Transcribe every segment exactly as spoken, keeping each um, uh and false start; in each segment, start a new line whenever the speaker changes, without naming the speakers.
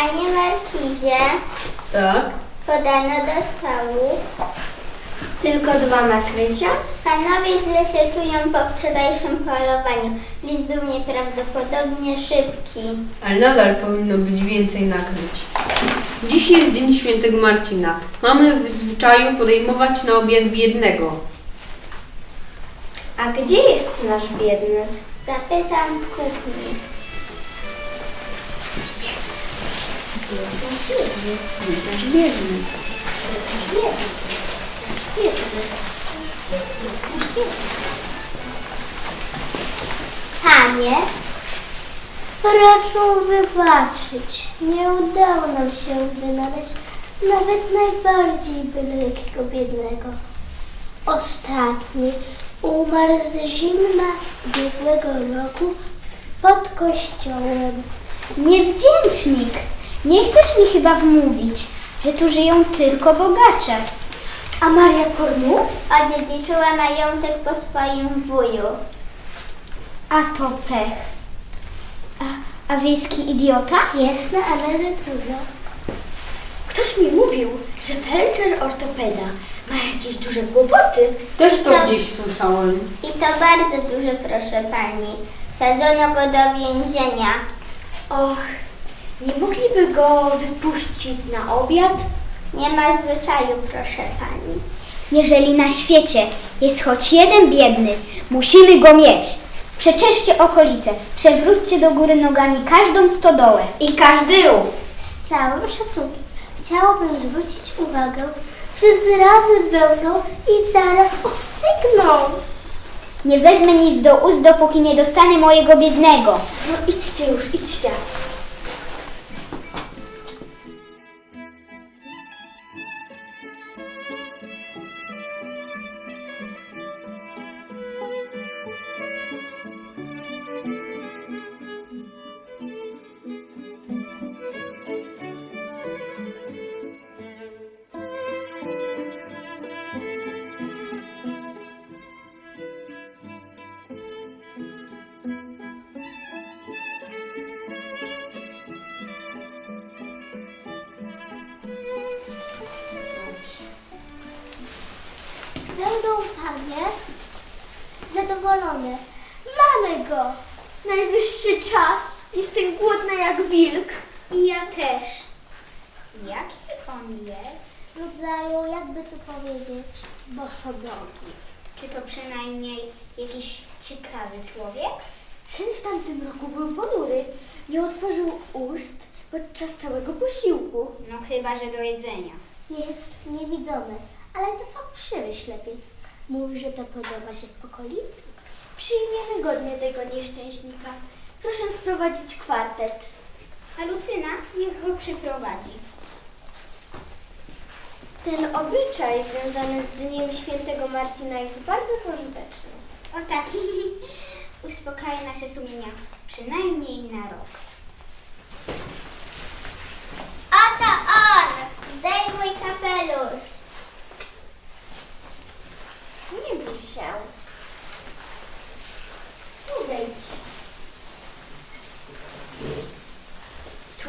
Panie markizie,
Tak?
podano do stołu.
Tylko dwa nakrycia?
Panowie źle się czują po wczorajszym polowaniu. List był nieprawdopodobnie szybki.
Ale nadal powinno być więcej nakryć. Dziś jest Dzień Świętego Marcina. Mamy w zwyczaju podejmować na obiad biednego.
A gdzie jest nasz biedny?
Zapytam w kuchni.
Nasz biedny.
Panie, proszę wybaczyć. Nie udało nam się wynaleźć nawet najbardziej byle jakiego biednego. Ostatni umarł z zimna ubiegłego roku pod kościołem.
Niewdzięcznik! Nie chcesz mi chyba wmówić, że tu żyją tylko bogacze.
A Maria Kornu?
Odziedziczyła majątek po swoim wuju.
A to pech. A, a wiejski idiota?
Jest na emeryturze.
Ktoś mi mówił, że felczer ortopeda ma jakieś duże kłopoty.
Też to
Tak.
gdzieś słyszałem.
I to bardzo duże, proszę pani. Wsadzono go do więzienia.
Och, nie mogliby go wypuścić na obiad?
Nie ma zwyczaju, proszę pani.
Jeżeli na świecie jest choć jeden biedny, musimy go mieć. Przeczeszcie okolice, przewróćcie do góry nogami każdą stodołę.
I każdy rów.
Z całym szacunkiem chciałabym zwrócić uwagę, że zrazy będą i zaraz ostygną.
Nie wezmę nic do ust, dopóki nie dostanę mojego biednego.
No idźcie już, idźcie.
Będą panie zadowolone. Mamy go.
Najwyższy czas. Jestem głodna jak wilk.
I ja też.
Jaki on jest?
Rodzaju, jakby tu powiedzieć, bosodogi.
Czy to przynajmniej jakiś ciekawy człowiek?
Ten w tamtym roku był ponury. Nie otworzył ust podczas całego posiłku.
No chyba, że do jedzenia.
Jest niewidomy, ale to fałszywy ślepiec. Mówi, że to podoba się w okolicy.
Przyjmiemy godnie tego nieszczęśnika. Proszę sprowadzić kwartet.
A Lucyna niech go przyprowadzi.
Ten obyczaj związany z Dniem Świętego Marcina jest bardzo pożyteczny.
O tak, uspokaja nasze sumienia przynajmniej na rok.
Oto on! Zdejmuj kapelusz!
Nie bój się. Tu wejdź. Tu.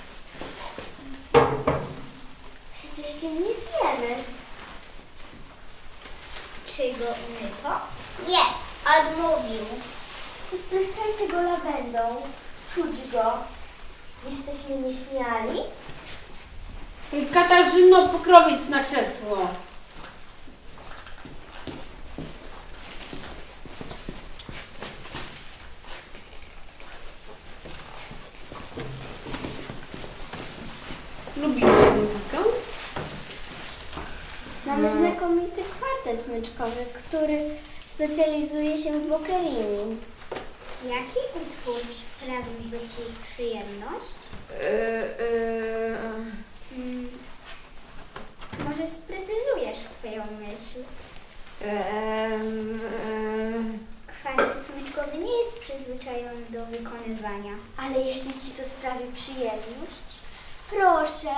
Przecież cię nie zjemy.
Czy go umyto?
Nie, odmówił.
Spryskajcie go lawendą. Czuć go. Jesteśmy nieśmiali?
Katarzyno, pokrowiec na krzesło. Lubimy muzykę?
Mamy znakomity kwartet smyczkowy, który specjalizuje się w Boccherini.
Jaki utwór sprawiłby Ci przyjemność?
Eee, eee,
Hmm, może sprecyzujesz swoją myśl?
eee, eee.
Kwartet smyczkowy nie jest przyzwyczajony do wykonywania.
Ale jeśli ci to sprawi przyjemność, proszę.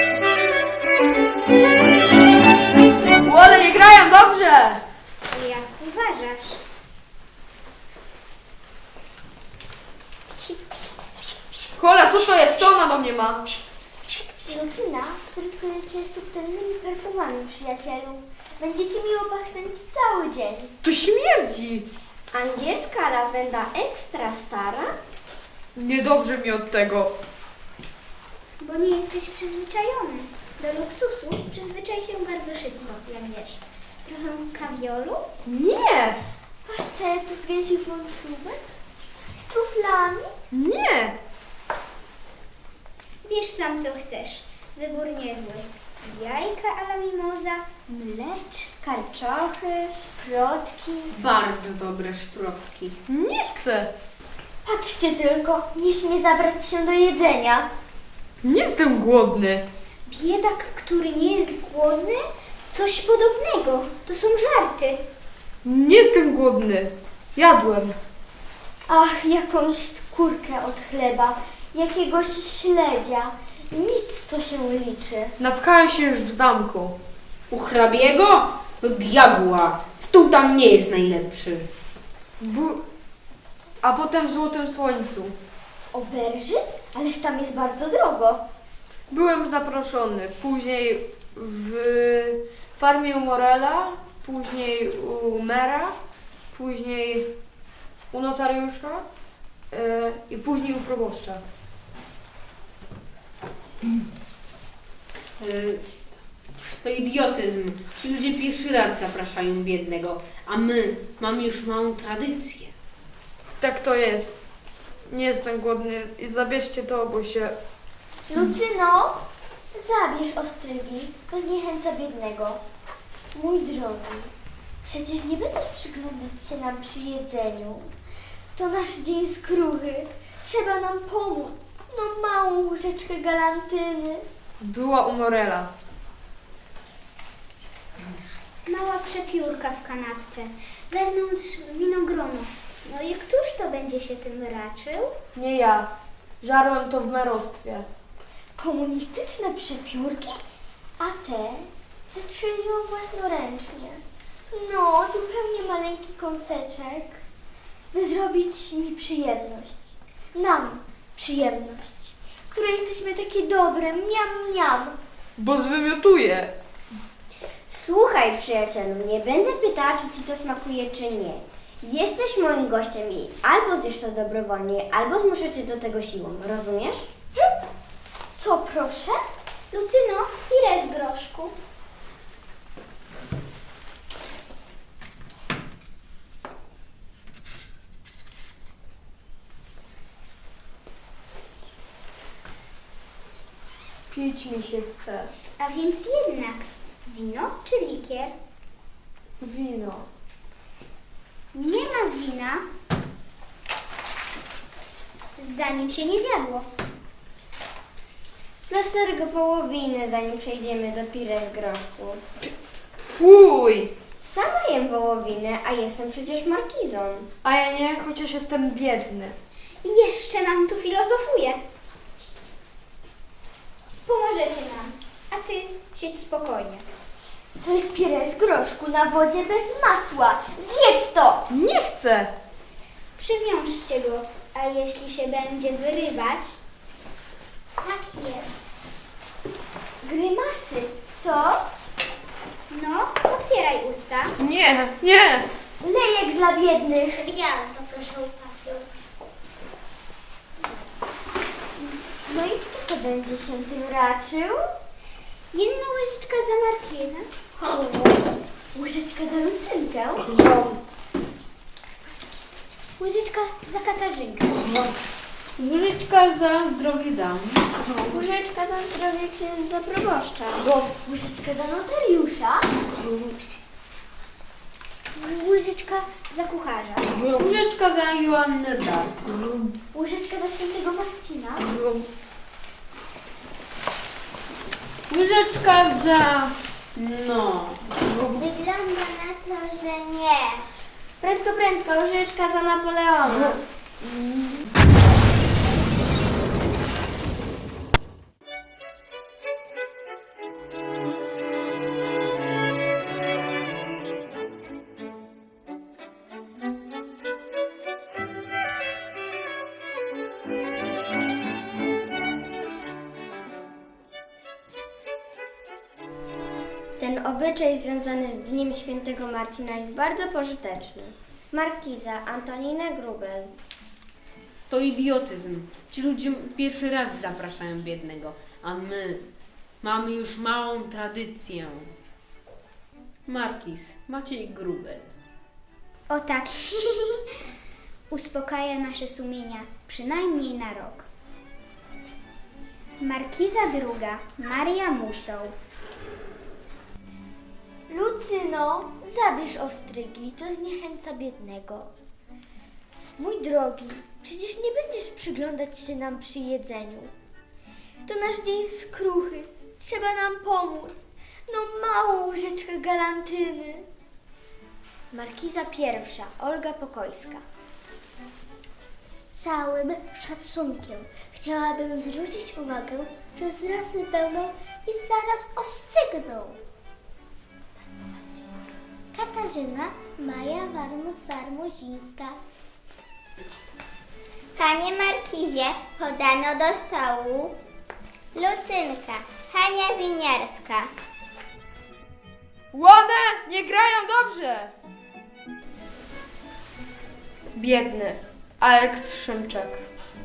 Ale nie grają dobrze!
Jak
Kola, co to jest? Co ona do mnie ma?
Lucyna sprytkuje cię subtelnymi perfumami, przyjacielu. Będziecie miło pachnąć cały dzień.
Tu śmierdzi.
Angielska lawenda ekstra stara?
Niedobrze mi od tego.
Bo nie jesteś przyzwyczajony. Do luksusu przyzwyczaj się bardzo szybko, jak wiesz. Trochę kawioru?
Nie,
Pasztetu z gęsich wątróbek? Z truflami?
nie.
Bierz sam co chcesz. Wybór niezły. Jajka a la mimoza, mlecz, karczochy, sprotki.
Bardzo dobre szprotki.
Nie chcę.
Patrzcie tylko, nie śmie zabrać się do jedzenia.
Nie jestem głodny.
Biedak, który nie jest głodny? Coś podobnego. To są żarty.
Nie jestem głodny. Jadłem.
Ach, jakąś skórkę od chleba, jakiegoś śledzia. Nic, co się liczy.
Napchałem się już w zamku.
U hrabiego? Do diabła. Stół tam nie jest najlepszy.
Bu- A potem w Złotym Słońcu.
Oberży? Ależ tam jest bardzo drogo.
Byłem zaproszony. Później w farmie u Morela, później u mera, później u notariusza yy, i później u proboszcza.
Y, To idiotyzm. Ci ludzie pierwszy raz zapraszają biednego, a my mamy już małą tradycję.
Tak to jest. Nie jestem głodny i zabierzcie to, bo się...
Lucyno, zabierz ostrygi, to zniechęca biednego. Mój drogi, przecież nie będziesz przyglądać się nam przy jedzeniu. To nasz dzień skruchy. Trzeba nam pomóc. No małą łyżeczkę galantyny.
Była u Morela.
Mała przepiórka w kanapce. Wewnątrz winogrono. No i któż to będzie się tym raczył?
Nie ja. Żarłem to w merostwie.
Komunistyczne przepiórki? A te zestrzeliłam własnoręcznie. No, zupełnie maleńki kąseczek, by zrobić mi przyjemność. Nam przyjemność, które jesteśmy takie dobre, miam, miam.
Bo zwymiotuję.
Słuchaj, przyjacielu, nie będę pytała, czy ci to smakuje, czy nie. Jesteś moim gościem i albo zjesz to dobrowolnie, albo zmuszę cię do tego siłą, rozumiesz? Co, proszę?
Lucyno, pire z groszku.
Pić mi się chce.
A więc jednak wino czy likier?
Wino.
Nie ma wina, zanim się nie zjadło.
Plastergo wołowiny, zanim przejdziemy do pire z groszku.
Fuj!
Sama jem wołowinę, a jestem przecież markizą.
A ja nie, chociaż jestem biedny.
I jeszcze nam tu filozofuje. Pomożecie nam, a ty siedź spokojnie.
To jest pire z groszku na wodzie bez masła. Zjedz to!
Nie chcę!
Przywiążcie go, a jeśli się będzie wyrywać, tak jest.
Grymasy, co?
No, otwieraj usta.
Nie, nie!
Lejek dla biednych.
Przewidziałam to, proszę papier.
No i kto to będzie się tym raczył?
Jedna łyżeczka za Markina.
Łyżeczka za Lucynkę.
Łyżeczka za Katarzynkę.
Łyżeczka za zdrowie dam.
Łyżeczka za zdrowie księdza proboszcza. Łyżeczka za notariusza.
Łyżeczka za kucharza.
Łyżeczka za Joannę Dark.
Łyżeczka za świętego Marcina.
Łyżeczka za... no...
Wygląda na to, że nie.
Prędko, prędko, łyżeczka za Napoleona. Ten obyczaj związany z Dniem Świętego Marcina jest bardzo pożyteczny. Markiza Antonina Grubel.
To idiotyzm. Ci ludzie pierwszy raz zapraszają biednego, a my mamy już małą tradycję. Markiz Maciej Grubel.
O tak, uspokaja nasze sumienia, przynajmniej na rok. Markiza druga, Maria Musioł.
Lucyno, zabierz ostrygi, to zniechęca biednego. Mój drogi, przecież nie będziesz przyglądać się nam przy jedzeniu. To nasz dzień skruchy, trzeba nam pomóc. No małą łyżeczkę galantyny. Markiza pierwsza, Olga Pokojska.
Z całym szacunkiem chciałabym zwrócić uwagę, że zrazy pełną i zaraz ostygną. Katarzyna Maja Warmus-Warmuzińska.
Panie Markizie, podano do stołu. Lucynka, Hania Winiarska.
Łone nie grają dobrze! Biedny, Aleks Szymczak.